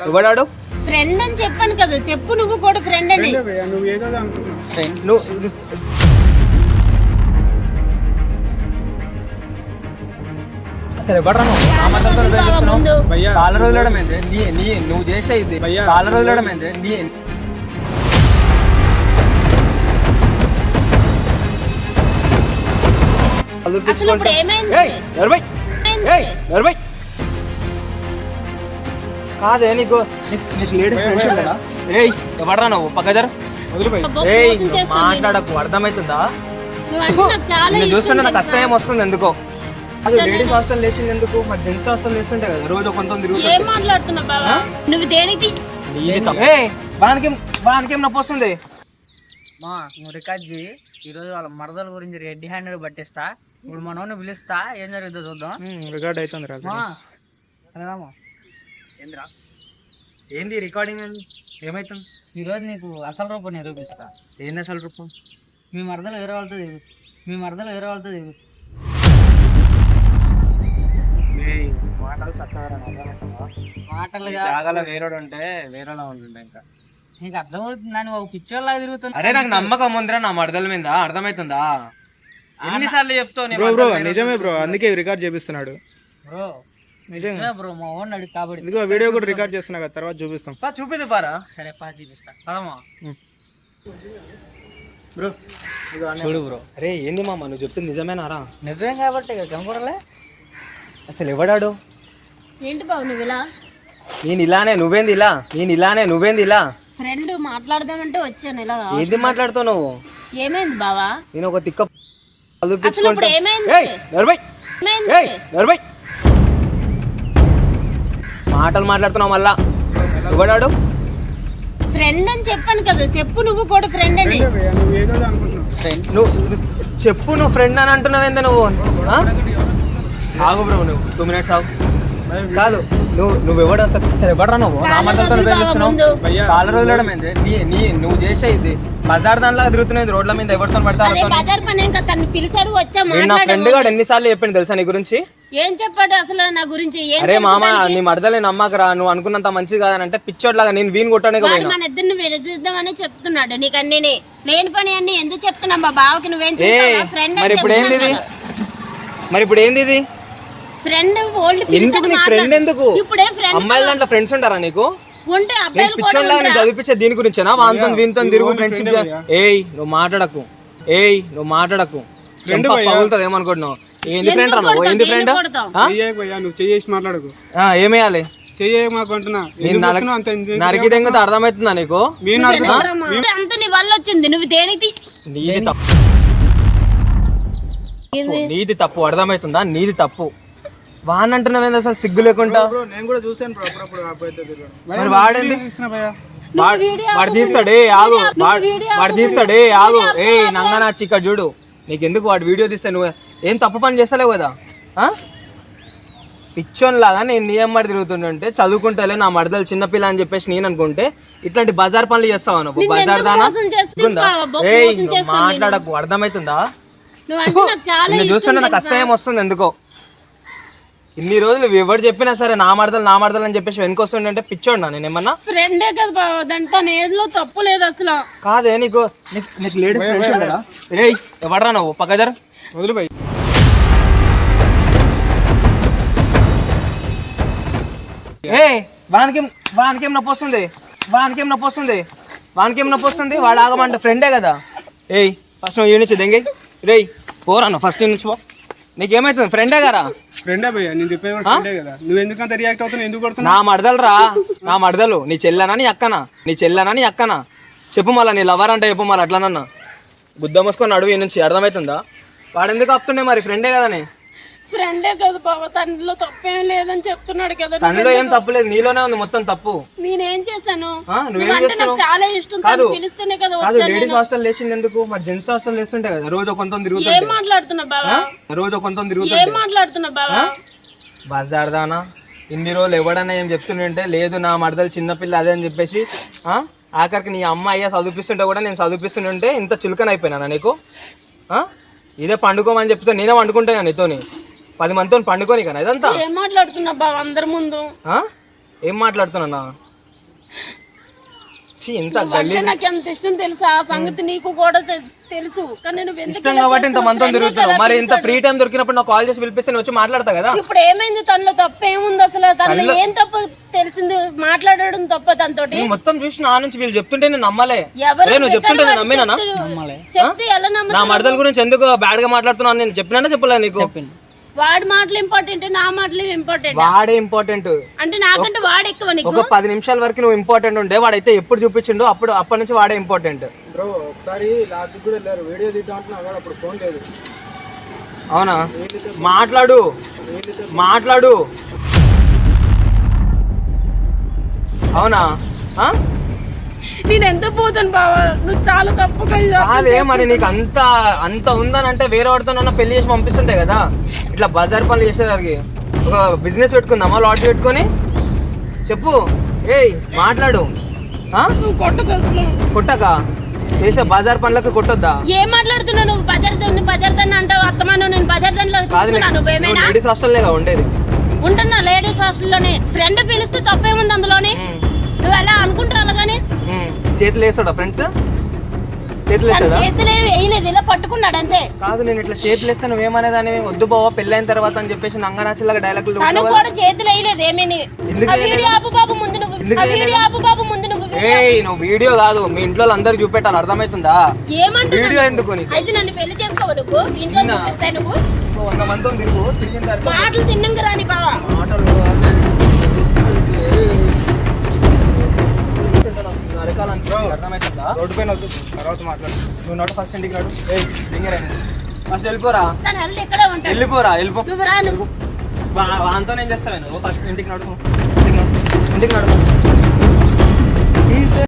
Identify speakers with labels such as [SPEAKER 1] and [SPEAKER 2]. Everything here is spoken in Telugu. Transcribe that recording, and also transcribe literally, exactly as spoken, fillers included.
[SPEAKER 1] ఎవడాడు
[SPEAKER 2] ఫ్రెండ్ అని చెప్పాను కదా, చెప్పు నువ్వు కూడా ఫ్రెండ్ అని.
[SPEAKER 3] నువ్వు ఏదో అనుకుంటున్నావు.
[SPEAKER 1] నువ్వు అసలు ఎవడరా నువ్వు? నా మాటలతో వేధిస్తున్నావు. కాళ్ళ రోజులడం ఏంటి? నీ నీ నువ్వు చేసే ఇది కాళ్ళ రోజులడం ఏంటి? నీ
[SPEAKER 2] అసలు ఇప్పుడు ఏమైంది?
[SPEAKER 1] కాదే నీకు నీకు లేడీస్ ఫ్రెండ్స్ కదా? ఏయ్ ఎవడరా నువ్వు? పక్కదర ఏయ్ మాట్లాడకు, అర్థమవుతుందా?
[SPEAKER 2] నువ్వు నాకు చాలా
[SPEAKER 1] నేను చూస్తుంటే నాకు అసహ్యం వస్తుంది ఎందుకో. అది లేడీస్ హాస్టల్ లేచింది ఎందుకు? మరి జెంట్స్ హాస్టల్ లేస్తుంటే కదా రోజు కొంత తిరుగుతుంది.
[SPEAKER 2] ఏం మాట్లాడుతున్నావు బావా? నువ్వు దేనికి
[SPEAKER 1] వానికి వానికేం నొప్పి వస్తుంది?
[SPEAKER 4] మా నువ్వు రికార్డ్ చేయి. ఈరోజు వాళ్ళ మరదల గురించి రెడ్డి హ్యాండెడ్ పట్టిస్తా. ఇప్పుడు మనోని పిలుస్తా, ఏం జరుగుతుందో చూద్దాం.
[SPEAKER 3] రికార్డ్ అవుతుంది రా.
[SPEAKER 4] అదేమో ఏంద్రా
[SPEAKER 1] ఏంది రికార్డింగ్ అని ఏమైతుంది?
[SPEAKER 4] ఈరోజు నీకు అసలు రూపం నిరూపిస్తా.
[SPEAKER 1] ఏంది అసలు రూపం?
[SPEAKER 4] మీ మరదలు వేరే వాళ్ళతో దిగు మీ మరదలు వేరే వాళ్ళతో దిగు మాటలు చక్కగా మాటలు
[SPEAKER 1] జాగాలో వేరేడు ఉంటే వేరేలా ఉంటుండే. ఇంకా
[SPEAKER 4] నీకు అర్థమవుతుందా? నువ్వు ఒక పిచ్చోళ్ళగా తిరుగుతున్నా.
[SPEAKER 1] అరే నాకు నమ్మకం ఉందిరా నా మరదల మీద, అర్థమవుతుందా? ఎన్నిసార్లు చెప్తావు?
[SPEAKER 3] బ్రో బ్రో నిజమే బ్రో, అందుకే రికార్డ్ చేపిస్తున్నాడు
[SPEAKER 4] బ్రో. నిజమే బ్రో, మా ఓన్ అడిగి కాబట్టి
[SPEAKER 3] ఇదిగో వీడియో కూడా రికార్డ్ చేస్తున్నా కదా, తర్వాత చూపిస్తాం.
[SPEAKER 1] చూపిద్దు పారా.
[SPEAKER 4] సరే పా చూపిస్తా పదమ్మా
[SPEAKER 3] బ్రో
[SPEAKER 1] చూడు బ్రో. అరే ఏంది మామ నువ్వు చెప్పింది నిజమేనారా?
[SPEAKER 4] నిజమే కాబట్టి ఇక కనపడలే.
[SPEAKER 1] అసలు ఎవడాడు?
[SPEAKER 2] ఏంటి బాబు నువ్వు ఇలా?
[SPEAKER 1] నేను ఇలానే నువ్వేంది ఇలా? నేను ఇలానే నువ్వేంది ఇలా?
[SPEAKER 2] ఫ్రెండ్ మాట్లాడదామంటే వచ్చాను ఇలా.
[SPEAKER 1] ఏంది మాట్లాడుతావు నువ్వు?
[SPEAKER 2] ఏమైంది బావా?
[SPEAKER 1] నేను ఒక తిక్క
[SPEAKER 2] అసలు ఇప్పుడు ఏమైంది?
[SPEAKER 1] ఏమైంది? మాటలు మాట్లాడుతున్నావు మళ్ళా. ఎవడాడు?
[SPEAKER 2] ఫ్రెండ్ అని చెప్పాను కదా, చెప్పు నువ్వు కూడా ఫ్రెండ్ అని.
[SPEAKER 3] నువ్వు ఏదో అనుకుంటున్నావు.
[SPEAKER 1] నువ్వు చెప్పు, నువ్వు ఫ్రెండ్ అని అంటున్నావు ఏంది నువ్వు? ఆగు బ్రో, నువ్వు టూ మినిట్స్ ఆగు. కాదు నువ్వు నువ్వు ఎవడు అసలు అసలు ఎవడరా నువ్వు? నా మాటలతో వేధిస్తున్నావు. కాళ్ళ రోజులడం ఏంది? నీ నీ నువ్వు చేసే ఇది బజార్ దానిలా తిరుగుతున్నాయి రోడ్ల మీద. ఎవరితో పడతావు?
[SPEAKER 2] బజార్ పని ఏం కదా, తను పిలిచాడు వచ్చా.
[SPEAKER 1] నా ఫ్రెండ్ గాడు ఎన్నిసార్లు చెప్పింది తెలుసా నీ గురించి?
[SPEAKER 2] ఏం చెప్పాడు అసలు నా గురించి?
[SPEAKER 1] అరే మామ నీ మరదలే నమ్మకరా, నువ్వు అనుకున్నంత మంచిది కాదని అంటే పిచ్చోడ్లాగా నేను వీని కొట్టానే కదా.
[SPEAKER 2] మన ఇద్దరిని వెలిద్దామని చెప్తున్నాడు. నీకు అన్ని లేని పని అన్ని ఎందుకు చెప్తున్నా? మా బావకి నువ్వేం చేస్తావా? ఫ్రెండ్
[SPEAKER 1] మరి ఇప్పుడు ఏంది ఇది? మరి ఇప్పుడు ఏంది ఇది?
[SPEAKER 2] ఫ్రెండ్ ఓల్డ్
[SPEAKER 1] ఎందుకు నీ ఫ్రెండ్ ఎందుకు?
[SPEAKER 2] ఇప్పుడే ఫ్రెండ్.
[SPEAKER 1] అమ్మాయిల దాంట్లో ఫ్రెండ్స్ ఉంటారా నీకు?
[SPEAKER 2] ఉంటే అబ్బాయిలు కూడా
[SPEAKER 1] పిచ్చోడ్లాగా చదివించే దీని గురించేనా? వాంతో వీనితో తిరుగు ఫ్రెండ్షిప్. ఏయ్ నువ్వు మాట్లాడకు, ఏయ్ నువ్వు మాట్లాడకు. ఫ్రెండ్ పగులుతుంది ఏమనుకుంటున్నావు? ఏంది ఫ్రెండ్ రా నువ్వు? ఏంది ఫ్రెండ్?
[SPEAKER 3] నువ్వు చేసి మాట్లాడకు.
[SPEAKER 1] ఏమేయాలి?
[SPEAKER 3] చెయ్యమాకుంటున్నా
[SPEAKER 1] నరికి తెంగితే అర్థమవుతుందా నీకు?
[SPEAKER 2] అంత నీ వల్ల వచ్చింది. నువ్వు దేనికి?
[SPEAKER 1] నీది తప్పు, నీది తప్పు అర్థమవుతుందా? నీది తప్పు. వాన్ అంటున్నావేంది అసలు సిగ్గు లేకుండా?
[SPEAKER 3] నేను కూడా చూసాను బ్రో అప్పుడప్పుడు.
[SPEAKER 1] మరి వాడేంది? వాడు తీస్తాడే ఆగు, వాడు తీస్తాడే ఆగు. ఏ నంగనా చిక్క చూడు, నీకెందుకు వాడు వీడియో తీస్తే? నువ్వు ఏం తప్పు పని చేస్తలేవు కదా. పిచ్చోన్ లాగా నేను నీ అమ్మడి తిరుగుతుంటే చదువుకుంటేలే నా మరదలు చిన్నపిల్ల అని చెప్పేసి నేను అనుకుంటే ఇట్లాంటి బజార్ పనులు చేస్తావా నువ్వు? బజార్ దానా ఏ మాట్లాడకు, అర్థమవుతుందా? నేను చూస్తుంటే నాకు అసహ్యం వస్తుంది ఎందుకో. ఇన్ని రోజులు ఎవరు చెప్పినా సరే నా మరదలు నా మరదలు అని చెప్పేసి వెనుకొస్తుండే పిచ్చోడ్నా నేను ఏమన్నా?
[SPEAKER 2] ఫ్రెండే కదా బావ, దాంట్లో ఏదో తప్పు లేదు అసలు.
[SPEAKER 1] కాదే నీకు నీకు లేడీస్ ఫ్రెండ్స్ కదా? రే ఎవడరా నువ్వు? పక్కదర
[SPEAKER 3] వదిలిపోయి.
[SPEAKER 1] ఏ వానికేం వానికేం నొప్పి వస్తుంది? వానికేం నొప్పి వస్తుంది? వానికేం నొప్పి వస్తుంది? వాడు ఆగమంటే ఫ్రెండే కదా. ఏయ్ ఫస్ట్ నువ్వు ఈ నుంచి దెంగి. రేయ్ పోరాను ఫస్ట్ నుంచి పో. నీకేమైతుంది? ఫ్రెండే కదా.
[SPEAKER 3] ఫ్రెండే భయ్యా, నేను చెప్పేది ఫ్రెండే కదా. నువ్వు ఎందుకంత రియాక్ట్ అవుతున్నావు? ఎందుకు కొడుతున్నావు?
[SPEAKER 1] నా మరదలు రా, నా మరదలు. నీ చెల్లెనా నీ అక్కనా? నీ చెల్లెనా నీ అక్కనా? చెప్పు మళ్ళా. నీ లవర్ అంటే చెప్పు మళ్ళీ. అట్లానన్నా గుద్ద మూసుకొని అడుగు నుంచి, అర్థమవుతుందా? వాడు ఎందుకు ఆపుతుండే? మరి ఫ్రెండే కదని.
[SPEAKER 2] ఫ్రెండే కదా బావ, తనలో తప్పేం లేదని చెప్తున్నాడు కదా.
[SPEAKER 1] తనలో ఏం తప్పు లేదు, నీలోనే ఉంది మొత్తం తప్పు.
[SPEAKER 2] నేనేం చేశాను?
[SPEAKER 1] నువ్వేం చేస్తావు?
[SPEAKER 2] చాలా ఇష్టం.
[SPEAKER 1] కాదు
[SPEAKER 2] పిలిస్తేనే కదా.
[SPEAKER 1] కాదు లేడీస్ హాస్టల్ లేచింది ఎందుకు? మరి జెంట్స్ హాస్టల్ లేస్తుంటే కదా రోజు కొంత తిరుగుతుంది.
[SPEAKER 2] ఏం మాట్లాడుతున్నా బావా?
[SPEAKER 1] రోజు కొంత తిరుగుతుంది.
[SPEAKER 2] ఏం మాట్లాడుతున్నా బావా?
[SPEAKER 1] బజార్ దానా ఇన్ని రోజులు ఎవడన్నా ఏం చెప్తుంటే లేదు నా మరదలు చిన్నపిల్ల అదే అని చెప్పేసి ఆఖరికి నీ అమ్మ అయ్యా చదివిస్తుంటే కూడా నేను చదివిస్తుంటే ఇంత చులకన అయిపోయినా నీకు? ఇదే పండుకోమని చెప్తే నేనే వండుకుంటా నీతోని, పది మందితో పండుకోని కదా. ఇదంతా
[SPEAKER 2] ఏం మాట్లాడుతున్నా బావ అందరి ముందు?
[SPEAKER 1] ఏం మాట్లాడుతున్నా? ఛీ, ఇంత
[SPEAKER 2] నువ్వంటే
[SPEAKER 1] గలీజ్
[SPEAKER 2] నాకు ఎంత ఇష్టం తెలుసా ఆ సంగతి నీకు కూడా తె- తెలుసు కానీ నువ్వు ఎందుకు
[SPEAKER 1] ఇష్టం
[SPEAKER 2] ఇలా
[SPEAKER 1] కాబట్టి ఇంత
[SPEAKER 2] చేస్తున్నావు?
[SPEAKER 1] మంతం
[SPEAKER 2] ఫ్రెండే
[SPEAKER 1] తిరుగుతున్నావు.
[SPEAKER 2] కదా
[SPEAKER 1] మరి ఇంత
[SPEAKER 2] పిలిచాడు.
[SPEAKER 1] ఫ్రీ టైం దొరికినప్పుడు నాకు కాల్ చేసి పిలిపిస్తే నేను వచ్చి మాట్లాడతా కదా.
[SPEAKER 2] ఇప్పుడు ఏమైంది తనలో తప్పు ఏముంది అసలు తనలో ఏం తప్పు తెలిసింది మాట్లాడడం తప్ప తనతోటి
[SPEAKER 1] నేను మొత్తం చూసి నా నుంచి వీళ్ళు చెప్తుంటే నేను నమ్మలే.
[SPEAKER 2] ఎవరు
[SPEAKER 1] అరే, నువ్వు చెప్తుంటే నేను నమ్మినానా?
[SPEAKER 2] చెప్తే ఎలా
[SPEAKER 1] నా
[SPEAKER 2] నమ్ముతావు?
[SPEAKER 1] మరదల గురించి ఎందుకు బ్యాడ్ గా మాట్లాడుతున్నాను నేను చెప్పినా చెప్పలే నీకు?
[SPEAKER 2] వాడి మాటలు ఇంపార్టెంట్ నా మాటలు ఇంపార్టెంట్
[SPEAKER 1] వాడే ఇంపార్టెంట్.
[SPEAKER 2] అంటే నాకంటే వాడు ఎక్కువ నీకు
[SPEAKER 1] ఒక పది నిమిషాల వరకు నువ్వు ఇంపార్టెంట్ ఉండే, వాడైతే ఎప్పుడు చూపించిండు అప్పుడు అప్పటి నుంచి వాడే ఇంపార్టెంట్.
[SPEAKER 3] బ్రో ఒకసారి లాస్ట్ కూడా వెళ్ళారు వీడియో తీద్దాం అంటున్నా అప్పుడు ఫోన్ లేదు.
[SPEAKER 1] అవునా? మాట్లాడు మాట్లాడు అవునా? ఆ?
[SPEAKER 2] నేను ఎంత పోతాను బావా నువ్వు చాలా తప్పుగా
[SPEAKER 1] కాదే మరి నీకు అంత అంత ఉందని అంటే వేరే వాడితో పెళ్లి చేసి పంపిస్తుంటాయి కదా. ఇట్లా బజార్ పనులు చేసేదానికి ఒక బిజినెస్ పెట్టుకుందామా లాటరీ పెట్టుకొని? చెప్పు, ఏయ్ మాట్లాడు. ఆ?
[SPEAKER 2] నువ్వు కొట్టకు అసలు.
[SPEAKER 1] కొట్టక చేసే బజార్ పనులకు కొట్టొద్దా?
[SPEAKER 2] ఏం మాట్లాడుతున్నావు నువ్వు బజార్ దాన్ని బజార్ దాన్ని అంటావు అత్తమాను నేను బజార్ దానిలో చూస్తున్నాను నువ్వేమైనా
[SPEAKER 1] లేడీస్ హాస్టల్లేగా ఉండేది.
[SPEAKER 2] ఉంటున్నా లేడీస్ హాస్టల్లోనే ఫ్రెండ్ పిలిస్తే తప్పేముంది అందులోనే నువ్వు ఎలా అనుకుంటావు అలాగానే
[SPEAKER 1] ఉమ్, చేతులు వేస్తాడా ఫ్రెండ్స్? చేతులు వేస్తాడా?
[SPEAKER 2] చేతులే వేయలేదు ఇలా పట్టుకున్నాడు అంతే
[SPEAKER 1] కాదు, నేను ఇట్లా చేతులు వేస్తే నువ్వేమనేదాన్ని వద్దు బావ పెళ్ళైన తర్వాత అని చెప్పేసి నంగనాచిలాగా డైలాగులు
[SPEAKER 2] తను కూడా చేతులు వేయలేదు ఏమీని
[SPEAKER 1] ఎందుకు
[SPEAKER 2] ఆ వీడియో ఆపు బాబు ముందు నువ్వు
[SPEAKER 1] ఎందుకు
[SPEAKER 2] ఆ వీడియో ఆపు బాబు ముందు నువ్వు
[SPEAKER 1] ఏయ్ నువ్వు వీడియో కాదు మీ ఇంట్లో అందరు చూపెట్టాలి, అర్థమవుతుందా?
[SPEAKER 2] ఏమంటున్నావు
[SPEAKER 1] వీడియో ఎందుకు నీకు?
[SPEAKER 2] అయితే నన్ను పెళ్లి చేసుకోవు నువ్వు ఇంట్లో
[SPEAKER 1] నిన్న.
[SPEAKER 2] చూపిస్తాయి నువ్వు
[SPEAKER 1] నువ్వు వంద మందితో తిరుగు, తిరిగిన తర్వాత
[SPEAKER 2] మాటలు తిన్నంగా రాని బావా
[SPEAKER 1] మాటలు అరకాలంటే అర్థమవుతుందా?
[SPEAKER 3] రోడ్డు పైన వద్దు తర్వాత మాట్లాడు.
[SPEAKER 1] నువ్వు నోట ఫస్ట్ ఇంటికి రాడు. ఏయ్ దింగరైనా ఫస్ట్ వెళ్ళిపోరా,
[SPEAKER 2] తను వెళ్ళి ఇక్కడే ఉంటాడు
[SPEAKER 1] వెళ్ళిపోరా వెళ్ళిపో.
[SPEAKER 2] నువ్వు రా నువ్వు
[SPEAKER 1] వాంతో నేను చేస్తాను. నువ్వు ఫస్ట్ ఇంటికి నడుపు, ఇంటికి నడు, ఇంటికి నడుపు.